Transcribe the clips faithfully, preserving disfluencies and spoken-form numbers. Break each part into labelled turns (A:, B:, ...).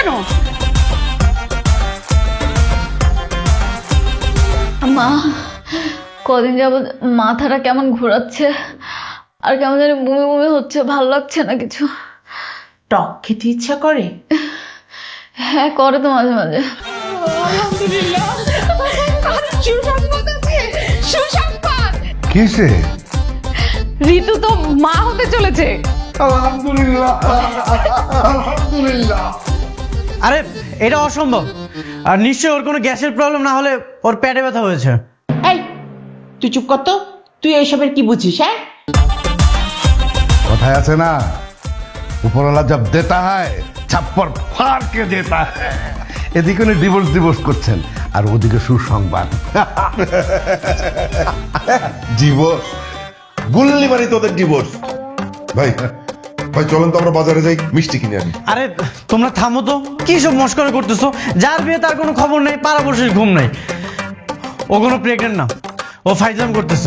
A: কেন?
B: মা, কদিন যাবত মাথাটা কেমন ঘোরাচ্ছে আর কেমন জানি বমি বমি হচ্ছে, ভালো লাগছে না কিছু।
A: টক খেতে ইচ্ছা করে?
B: হ্যাঁ, করে তো মাঝে মাঝে।
A: আলহামদুলিল্লাহ, সুসংবাদ আছে, সুসংবাদ।
C: কিসে?
A: ঋতু তো মা হতে চলেছে।
C: আলহামদুলিল্লাহ, আলহামদুলিল্লাহ।
D: আরে এটা অসম্ভব। আর নিশ্চয়ই ওর কোনো গ্যাসের প্রবলেম না হলে ওর পেটে ব্যথা হয়েছে।
A: এই তুই চুপ কর তো, তুই এইসবের কি বুঝিস? হ্যাঁ,
C: কথায় আছে না, উপরওয়ালা জব দেতা হয় ছাপ্পর ফাড়কে দেতা হয়। এদিকে উনি ডিভোর্স ডিভোর্স করছেন আর ওদিকে সুসংবাদ।
E: ডিভোর্স? গুল্লি মারি তোদের ডিভোর্স। ভাই ভাই চলেন তো আমরা বাজারে যাই, মিষ্টি কিনে আনি।
D: আরে তোমরা থামো তো, কি সব মস্করা করতেছো? যার বিয়ে তার কোনো খবর নেই, পাড়াপড়শির ঘুম নেই। ও কোনো প্রেগনেন্ট না, ও ফাইজলাম করতেছে।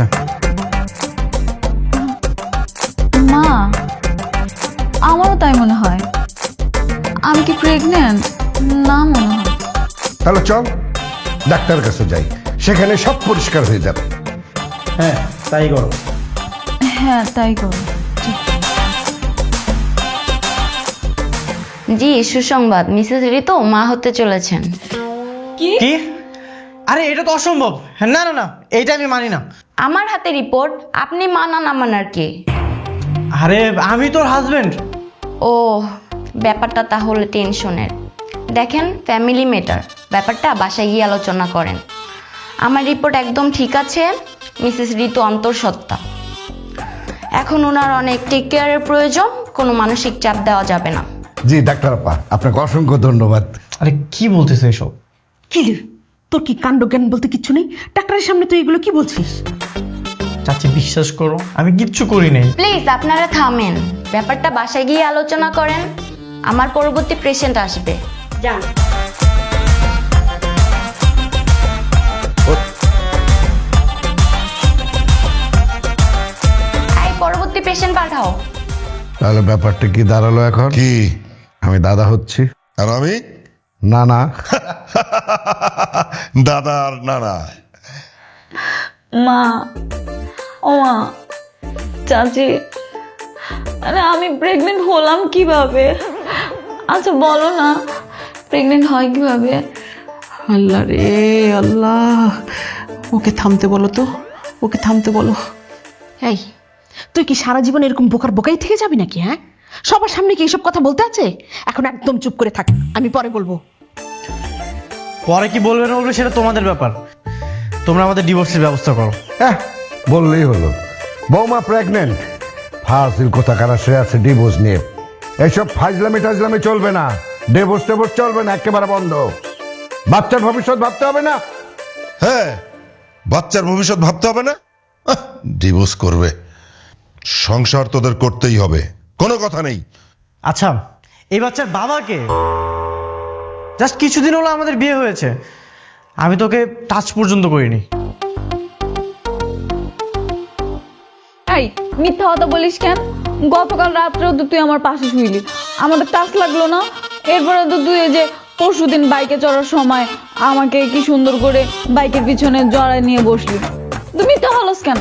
B: মা, আমারও তাই মনে হয়। আমি কি প্রেগনেন্ট? না মনে হয়।
C: তাহলে চল ডাক্তারের কাছে যাই, সেখানে সব পরিষ্কার হয়ে যাবে।
D: হ্যাঁ তাই করো।
B: হ্যাঁ, তাই করো।
F: জি, সুসংবাদ, মিসেস ঋতু মা হতে চলেছেন।
D: কি? আরে এটা তো অসম্ভব। না না না, এইটা আমি মানি না।
F: আমার হাতে রিপোর্ট, আপনি মানা না মানার কে?
D: আরে আমি তোর হাজবেন্ড।
F: ও, ব্যাপারটা তাহলে টেনশনের। দেখেন, ফ্যামিলি ম্যাটার, ব্যাপারটা বাসায় গিয়ে আলোচনা করেন। আমার রিপোর্ট একদম ঠিক আছে, মিসেস ঋতু অন্তঃসত্ত্বা। এখন ওনার অনেক টেক কেয়ারের প্রয়োজন, কোনো মানসিক চাপ দেওয়া যাবে না।
C: জি ডাক্তার আপা, আপনাকে অসংখ্য ধন্যবাদ।
D: আরে কি বলতেছে এসব?
A: কি রে, তোর কি কাণ্ড জ্ঞান বলতে কিচ্ছু নেই? ডাক্তারের সামনে তুই এগুলো কি বলছিস?
D: চাচি বিশ্বাস করো, আমি কিচ্ছু করি নাই।
F: প্লিজ আপনারা থামেন, ব্যাপারটা বাসায় গিয়ে আলোচনা করেন। আমার পরবর্তী পেশেন্ট আসবে, যান। এই পরবর্তী পেশেন্ট পাঠাও।
C: তাহলে ব্যাপারটা কি দাঁড়ালো এখন?
E: কি?
C: আমি দাদা হচ্ছি?
E: আর আমি
C: না না।
E: দাদা আর নানা।
B: মা, ও মা, চাচি, আরে আমি প্রেগনেন্ট হলাম কিভাবে? আচ্ছা বলো না, প্রেগনেন্ট হয় কিভাবে?
A: আল্লাহ রে আল্লাহ, ওকে থামতে বলো তো, ওকে থামতে বলো। এই তুই কি সারা জীবন এরকম বোকার বোকাই থেকে যাবি নাকি? হ্যাঁ, সবার সামনে কি এইসব কথা বলতে আছে? এখন একদম চুপ করে থাক, আমি পরে বলবো।
D: পরে কি বলবে না বলবে সেটা তোমাদের ব্যাপার। তোমরা আমাদের ডিভোর্সের ব্যবস্থা করো।
C: হ্যাঁ বললেই হলো। বৌমা প্রেগনেন্ট, ফাজিল কথা কারা সে আছে ডিভোর্স নিয়ে। এইসব ফাজলামি টাজলামি চলবে না, ডিভোর্স টেভোর্স চলবে না, একেবারে বন্ধ। বাচ্চার ভবিষ্যৎ ভাবতে হবে না?
E: হ্যাঁ, বাচ্চার ভবিষ্যৎ ভাবতে হবে না? ডিভোর্স করবে, সংসার তোদের করতেই হবে, কোনো কথা নেই।
D: আচ্ছা, এই বাচ্চার বাবাকে? জাস্ট কিছুদিন হলো আমাদের বিয়ে হয়েছে, আমি তোকে টাচ পর্যন্ত করিনি।
B: এই মিথ্যা কথা বলিস কেন? গতকাল রাত্রেও তো তুই আমার পাশে শুইলি, আমাদের টাচ লাগলো না? এরপরে তো তুই এই যে পরশুদিন বাইকে চড়ার সময় আমাকে কি সুন্দর করে বাইকের পিছনে জড়ায় নিয়ে বসলি, তুই মিথ্যা বলস কেন?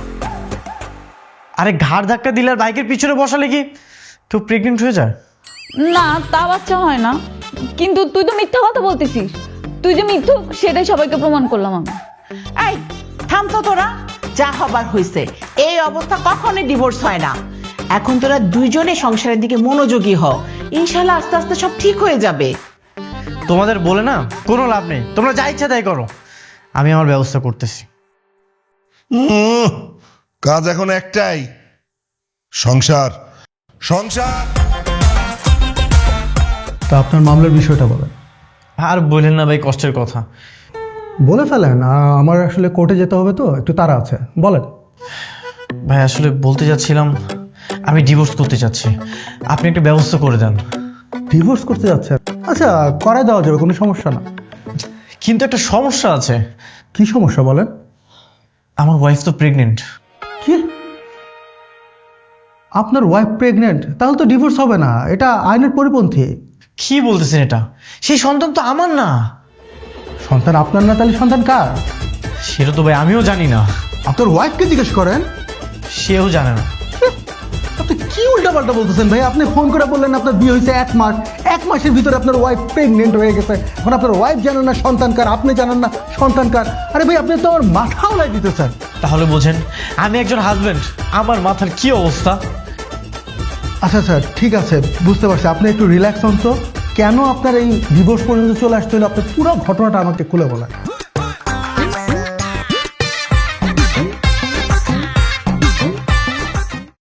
D: আরে ঘাড় ধাক্কা দিলে আর বাইকের পিছনে বসালে কি কেউ প্রেগনেন্ট হয়ে যায়?
B: না, তা বাচ্চা হয় না, কিন্তু তুই তো মিথ্যা কথা বলতেছিস। তুই যে মিথ্যু সেটাই সবাইকে প্রমাণ করলাম আমি।
A: এই থাম তো তোরা, যা হবার হয়েছে। এই অবস্থা কখনোই ডিভোর্স হয় না। এখন তোরা দুইজনে সংসারের দিকে মনোযোগী হ, ইনশাল্লাহ আস্তে আস্তে সব ঠিক হয়ে যাবে।
D: তোমাদের বলে না কোনো লাভ নেই, তোমরা যা ইচ্ছা তাই করো, আমি আমার ব্যবস্থা করতেছি।
E: উম, কাজ এখন একটাই, সংসার সংসার।
G: তা আপনার মামলার বিষয়টা বলেন।
D: আর বলেন না ভাই, কষ্টের কথা।
G: বলে ফেলেন, আ- আমার আসলে কোর্টে যেতে হবে তো, একটু তাড়া আছে, বলেন।
D: ভাই আসলে বলতে যাচ্ছিলাম, আমি ডিভোর্স করতে চাচ্ছি, আপনি একটা ব্যবস্থা করে দেন।
G: ডিভোর্স করতে যাচ্ছে? আচ্ছা, করাই দেওয়া যাবে, কোনো সমস্যা না।
D: কিন্তু একটা সমস্যা আছে।
G: কি সমস্যা বলেন?
D: আমার ওয়াইফ তো প্রেগনেন্ট।
G: কি? আপনার ওয়াইফ প্রেগনেন্ট? তাহলে তো ডিভোর্স হবে না, এটা আইনের পরিপন্থী।
D: কি বলতেছেন এটা? সেই সন্তান তো আমার না।
G: সন্তান আপনার না, তাহলে সন্তান কার?
D: সেটা তো ভাই আমিও জানি না,
G: আপনার ওয়াইফকে জিজ্ঞেস করেন।
D: সেও জানে না।
G: আপনি কি উল্টাপাল্টা বলতেছেন ভাই? আপনি ফোন করে বললেন আপনার বিয়ে হয়েছে এক মাস, এক মাসের ভিতরে আপনার ওয়াইফ প্রেগনেন্ট হয়ে গেছে। এখন আপনার ওয়াইফ জানেন না সন্তান কার, আপনি জানেন না সন্তান কার। আরে ভাই, আপনি তো আমার মাথা উড়াই দিতেছেন।
D: তাহলে বোঝেন আমি একজন হাজবেন্ড, আমার মাথার কি অবস্থা।
G: আচ্ছা স্যার, ঠিক আছে, বুঝতে পারছি। আপনি একটু রিল্যাক্স হন তো। কেন আপনার এই ডিভোর্স পর্যন্ত চলে আসতে হলো, আপনার পুরো ঘটনাটা আমাকে খুলে বলেন।